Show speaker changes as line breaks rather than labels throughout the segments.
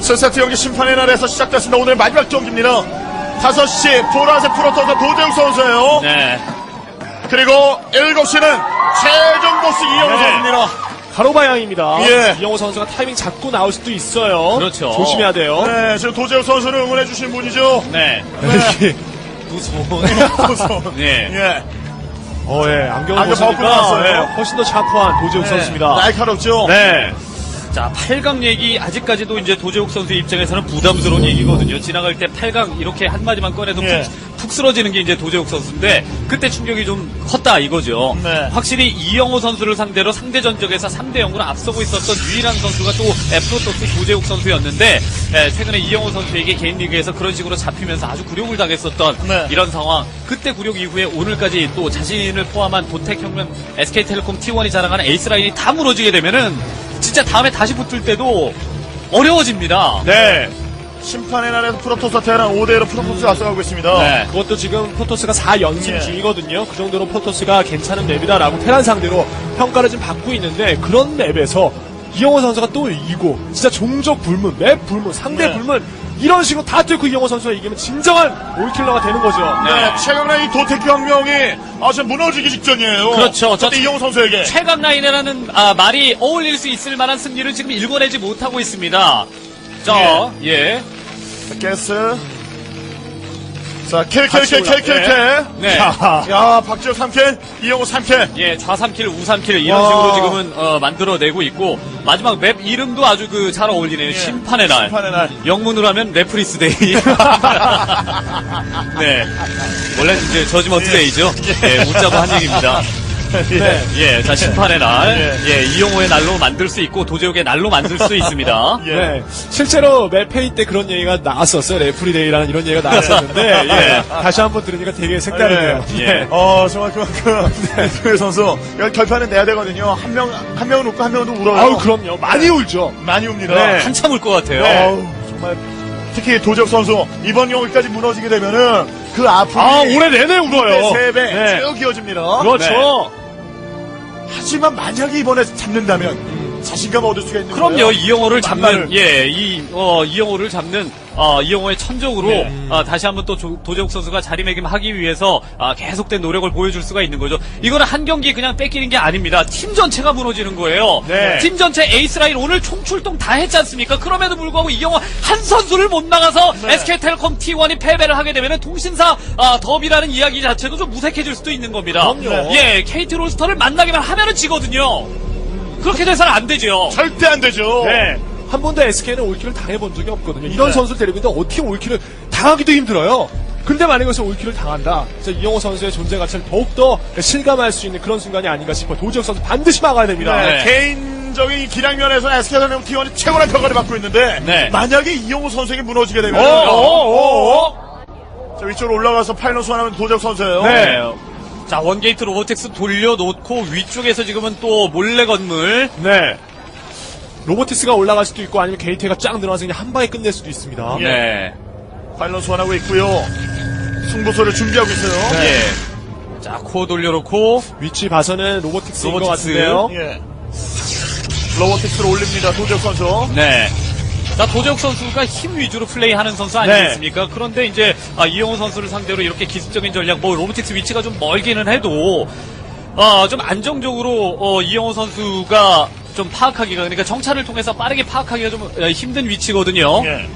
7세트 경기 심판의 날에서 시작됐습니다. 오늘 마지막 경기입니다. 5시 보라색 프로토스 도재욱 선수예요.
네.
그리고 7시는 최종 보스 이영호 선수입니다.
가로방향입니다.
예.
이영호 선수가 타이밍 잡고 나올 수도 있어요.
그렇죠.
조심해야 돼요.
네, 지금 도재욱 선수를 응원해주신 분이죠.
네.
네.
무서운. 네.
예.
예. 안경을
안경 벗고
벗으니까
나왔어요.
예, 훨씬 더 샤프한 도재욱
네.
선수입니다.
날카롭죠.
네.
자, 8강 얘기 아직까지도 이제 도재욱 선수 입장에서는 부담스러운 얘기거든요. 지나갈 때 8강 이렇게 한마디만 꺼내서
예.
푹 쓰러지는 게 이제 도재욱 선수인데 그때 충격이 좀 컸다 이거죠.
네.
확실히 이영호 선수를 상대로 상대 전적에서 3대0으로 앞서고 있었던 유일한 선수가 또 프로토스 도재욱 선수였는데 최근에 이영호 선수에게 개인 리그에서 그런 식으로 잡히면서 아주 굴욕을 당했었던
네.
이런 상황. 그때 굴욕 이후에 오늘까지 또 자신을 포함한 도택혁명 SK텔레콤 T1이 자랑하는 에이스 라인이 다 무너지게 되면은 진짜 다음에 다시 붙을 때도 어려워집니다.
네.
심판의 날에서 프로토스와 테란 5대1로 프로토스가 앞서가고 있습니다.
네.
그것도 지금 포토스가 4연승
예.
중이거든요. 그 정도로 포토스가 괜찮은 맵이다라고 테란 상대로 평가를 좀 받고 있는데 그런 맵에서 이영호 선수가 또 이기고 진짜 종족 불문, 맵 불문, 상대
네.
불문 이런 식으로 다 뚫고 이영호 선수가 이기면 진정한 올킬러가 되는 거죠.
네, 최근에 이 도태혁명이 지금 무너지기 직전이에요.
그렇죠.
그때 이영호 선수에게.
최강 라인이라는 말이 어울릴 수 있을 만한 승리를 지금 읽어내지 못하고 있습니다. 자, 예.
게스. 자, 킬.
네.
야, 박지호 3킬, 이영호 3킬.
예, 좌 3킬, 우 3킬 이런 식으로 지금은 만들어내고 있고 마지막 맵 이름도 아주 잘 어울리네요. 심판의 날.
심판의 날.
영문으로 하면 레프리스 데이. 네. 원래 이제 저지먼트 데이죠. 예, 웃자고 한 얘기입니다.
네.
예, 자, 심판의 날.
예.
예, 이용호의 날로 만들 수 있고, 도재욱의 날로 만들 수 있습니다.
예.
네. 실제로 맵페이 때 그런 얘기가 나왔었어요. 레프리데이라는 이런 얘기가 나왔었는데, 예. 다시 한번 들으니까 되게 색다르네요.
예.
정말 그만큼, 그 선수, 여기 결판은 내야 되거든요. 한 명은 웃고 한 명은 울어요.
아우, 그럼요. 많이 울죠.
많이 웁니다.
네.
한참 울 것 같아요.
어우, 정말. 특히 도적 선수, 이번 경기까지 무너지게 되면은, 그 아픔이.
올해 내내 울어요.
3배
네.
쭉 이어집니다.
그렇죠.
하지만 만약에 이번에 잡는다면, 자신감 얻을 수가 있는
그럼요,
거예요.
이영호를 잡는,
만만을.
예, 이영호를 잡는, 이영호의 천적으로,
네.
다시 한번 또 도재욱 선수가 자리매김하기 위해서, 계속된 노력을 보여줄 수가 있는 거죠. 이거는 한 경기 그냥 뺏기는 게 아닙니다. 팀 전체가 무너지는 거예요.
네.
팀 전체 에이스라인 오늘 총출동 다 했지 않습니까? 그럼에도 불구하고 이영호 한 선수를 못 나가서
네.
SK텔레콤 T1이 패배를 하게 되면은 통신사, 더비라는 이야기 자체도 좀 무색해질 수도 있는 겁니다.
그럼요.
예, KT 로스터를 만나기만 하면은 지거든요. 그렇게 돼서는 안 되죠.
절대 안 되죠.
네. 한 번도 SK는 올킬을 당해본 적이 없거든요. 이런
네.
선수를 데리고 있는데 어떻게 올킬을 당하기도 힘들어요. 근데 만약에 여기서 올킬을 당한다. 진짜 이영호 선수의 존재 가치를 더욱더 실감할 수 있는 그런 순간이 아닌가 싶어요. 도지혁 선수 반드시 막아야 됩니다.
네.
개인적인 이 기량면에서 SK텔레콤 T1이 최고란 평가를 받고 있는데
네.
만약에 이영호 선수에게 무너지게 되면 자, 위쪽으로 올라가서 파이널 소환하면 도적 선수예요.
네.
자, 원게이트 로보텍스 돌려놓고 위쪽에서 지금은 또 몰래 건물.
네. 로보티스가 올라갈 수도 있고 아니면 게이트가 쫙 늘어나서 그냥 한 방에 끝낼 수도 있습니다.
예.
네.
파이널 소환하고 있고요. 승부소를 준비하고 있어요.
예. 자, 코어 돌려놓고.
위치 봐서는 로보틱스인 것
로보틱스.
같은데요.
예. 로보틱스를 올립니다. 도적 선수.
네. 자, 도재욱 선수가 힘 위주로 플레이하는 선수 아니겠습니까? 그런데 이제 이영호 선수를 상대로 이렇게 기습적인 전략, 로보틱스 위치가 좀 멀기는 해도 좀 안정적으로 이영호 선수가 좀 파악하기가, 그러니까 정찰을 통해서 빠르게 파악하기가 좀 힘든 위치거든요.
예.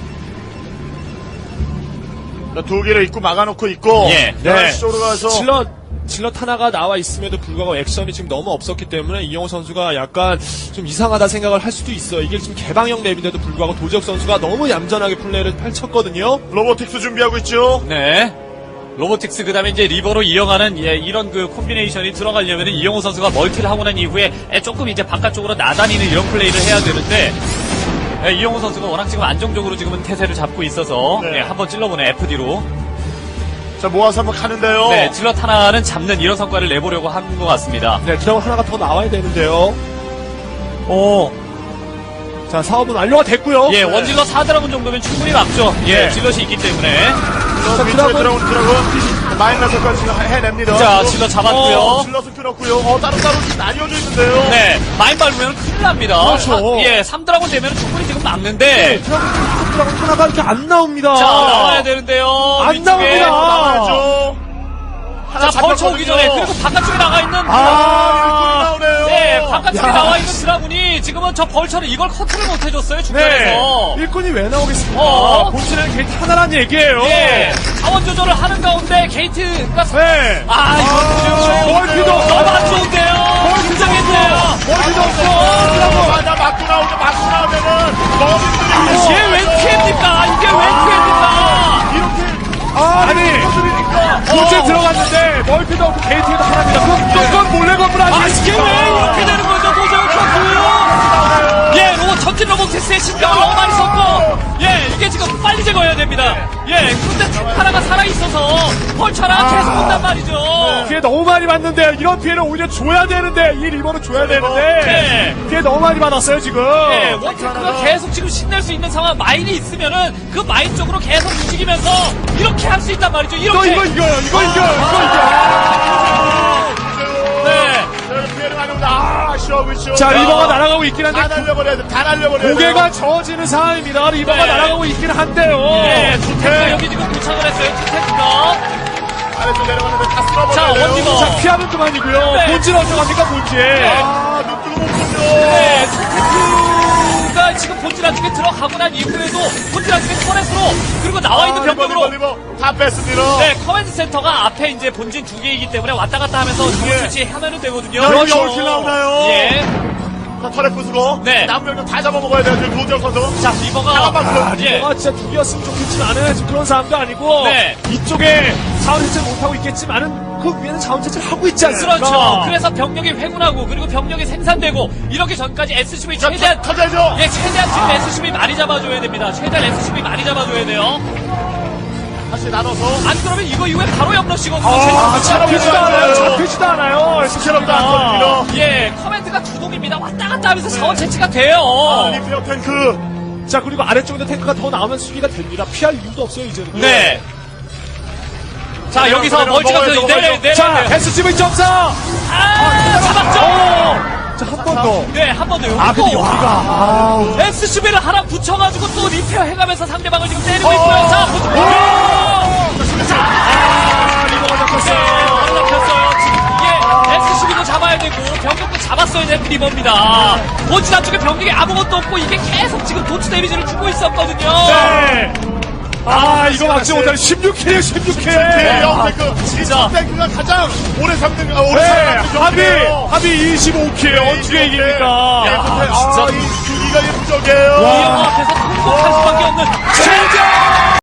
자, 두 개를 입고 막아놓고 있고.
예.
네.
쪽으로 가서.
질럿 하나가 나와 있음에도 불구하고 액션이 지금 너무 없었기 때문에 이영호 선수가 약간 좀 이상하다 생각을 할 수도 있어요. 이게 지금 개방형 맵인데도 불구하고 도지혁 선수가 너무 얌전하게 플레이를 펼쳤거든요.
로보틱스 준비하고 있죠.
네. 로보틱스 그다음에 이제 리버로 이어가는 이런 그 콤비네이션이 들어가려면 이영호 선수가 멀티를 하고 난 이후에 조금 이제 바깥쪽으로 나다니는 이런 플레이를 해야 되는데 이영호 선수가 워낙 지금 안정적으로 지금은 태세를 잡고 있어서
네.
한번 찔러보네 FD로.
자, 모아서 한번 가는데요.
네, 질럿 하나는 잡는 이런 성과를 내보려고 한 것 같습니다.
네, 드라곤 하나가 더 나와야 되는데요. 자, 사업은 완료가 됐고요.
예, 원질럿 4드라군 정도면 충분히 막죠. 예,
네.
질럿이 있기 때문에.
자,
드라군.
드라군. 마이너스까지 해냅니다.
자, 질러 잡았고요.
질러서 끊었고요. 따로따로 나뉘어져 있는데요.
네, 마인 밟으면 큰일 납니다.
그렇죠.
예, 3드라곤 되면 충분히 지금 막는데.
드라곤 하나가 이렇게 안 나옵니다.
자, 나와야 되는데요.
안
위쪽에.
나옵니다.
나와야죠. 하나
자, 벌쳐 오기 전에. 그리고 바깥쪽에 나가 있는.
일꾼이 나오네요.
네, 바깥쪽에
야.
나와 있는 드라군이 지금은 저 벌처를 이걸 커트를 못 해줬어요, 중간에서.
일꾼이 왜 나오겠습니까? 본진에는 게이트 하나란 얘기예요.
예, 자원 조절을 하는 가운데 게이트가.
네.
이거
멀티도
너무 안 좋은데요. 긴장했네요.
멀티도 없어.
맞아, 맞고 나오면은 너무
이게 웬 피해입니까? 이게 웬 피해입니까?
이렇게
아니, 본진 들어갔는데 멀티도 없고 게이트도 하나입니다. 그건 몰래 건물
아,
아니에요.
이게 왜 이렇게 되는 거죠, 도저히 선수? 예, 로봇, 전진 로봇테스에 신경을 너무 많이 썼고, 예, 이게 지금 빨리 제거해야 됩니다. 예, 근데 탱크 하나가 살아있어서 펄처랑 계속 온단 말이죠.
피해 너무 많이 받는데 이런 피해를 오히려 줘야 되는데 이 리버는 줘야 되는데 피해 너무 많이 받았어요 지금.
예, 원테크가 계속 지금 신낼 수 있는 상황, 마인이 있으면은 그 마인 쪽으로 계속 움직이면서 이렇게 할 수 있단 말이죠. 이렇게.
이거 이겨요.
네.
피해를 많이 옵니다. 시원하고
자 리버가 날아가고 있긴
다
한데
날려버려야 돼. 다 날려버려야 돼.
고개가 저어지는 상황입니다. 리버가
네.
날아가고 있긴 한데요.
네, 투테크가 여기 지금 도착을 했어요, 투테크가.
아래쪽 내려가는데 다 쓸어버려야
자,
돼요.
원리버.
자 피하면 그만이고요.
네.
본질 어떡합니까 본질.
눈 뜨고 못 보죠.
네, 투테크가 지금 본질 안쪽에 들어가고 난 이후에도 본질 안쪽에 터렛으로 그리고 나와 있는 병력으로
리버 다 뺐습니다.
네, 커맨드 센터가 앞에 이제 본진 두 개이기 때문에 왔다 갔다 하면서 좋은
예.
설치하면 되거든요.
여기 올킬 나오나요?
예.
자, 털에 부수고.
네.
남은 병력 다 잡아먹어야 돼요. 지금 도지혁 선수.
자, 리버가.
잠깐만,
예.
리버가 진짜 두 개였으면 좋겠지만은 지금 그런 상황도 아니고
네.
이쪽에 자원채취 못하고 있겠지만은 그 위에는 자원채취를 하고 있지 않습니까?
그렇죠. 그래서 병력이 회군하고 그리고 병력이 생산되고 이렇게 전까지 SCV
자,
최대한
터져야죠.
예, 최대한 지금 SCV 많이 잡아줘야 됩니다. 최대한 SCV 많이 잡아줘야 돼요.
다시 나눠서.
안 그러면 이거 이후에 바로 옆러시거든요.
잡히지도 않아요. 잡히지도 않아요.
스케럽도 안 터집니다.
예, 커맨드가 주동입니다. 왔다 갔다 하면서 자원 채취가 돼요.
리피어 탱크.
자 그리고 아래쪽에 탱크가 더 나오면 수비가 됩니다. 피할 이유도 없어요 이제는.
네. 자, 여기서
내려,
멀티가
먹어야죠,
내려.
자 SCV 점사.
아, 잡았죠.
자 한 번 더.
네, 한 번 더. 여기
아 근데
또
여기가
SCB를 하나 붙여가지고 또 리페어 해가면서 상대방을 지금 때리고 있고요. 자,
리버가
네,
잡혔어요.
안 잡혔어요. 지금 이게 SCB도 잡아야 되고 병력도 잡았어야 되는 리버입니다. 본진 안쪽에 병력이 아무것도 없고 이게 계속 지금 도치 데미지를 주고 있었거든요.
네. 아 이거 막지 못하는 16킬 16킬.
탱크.
진짜.
이 탱크가 가장 오래 잡는, 오래
네,
잡는
합이 25킬 어떻게 이깁니까?
진짜. 이 주기가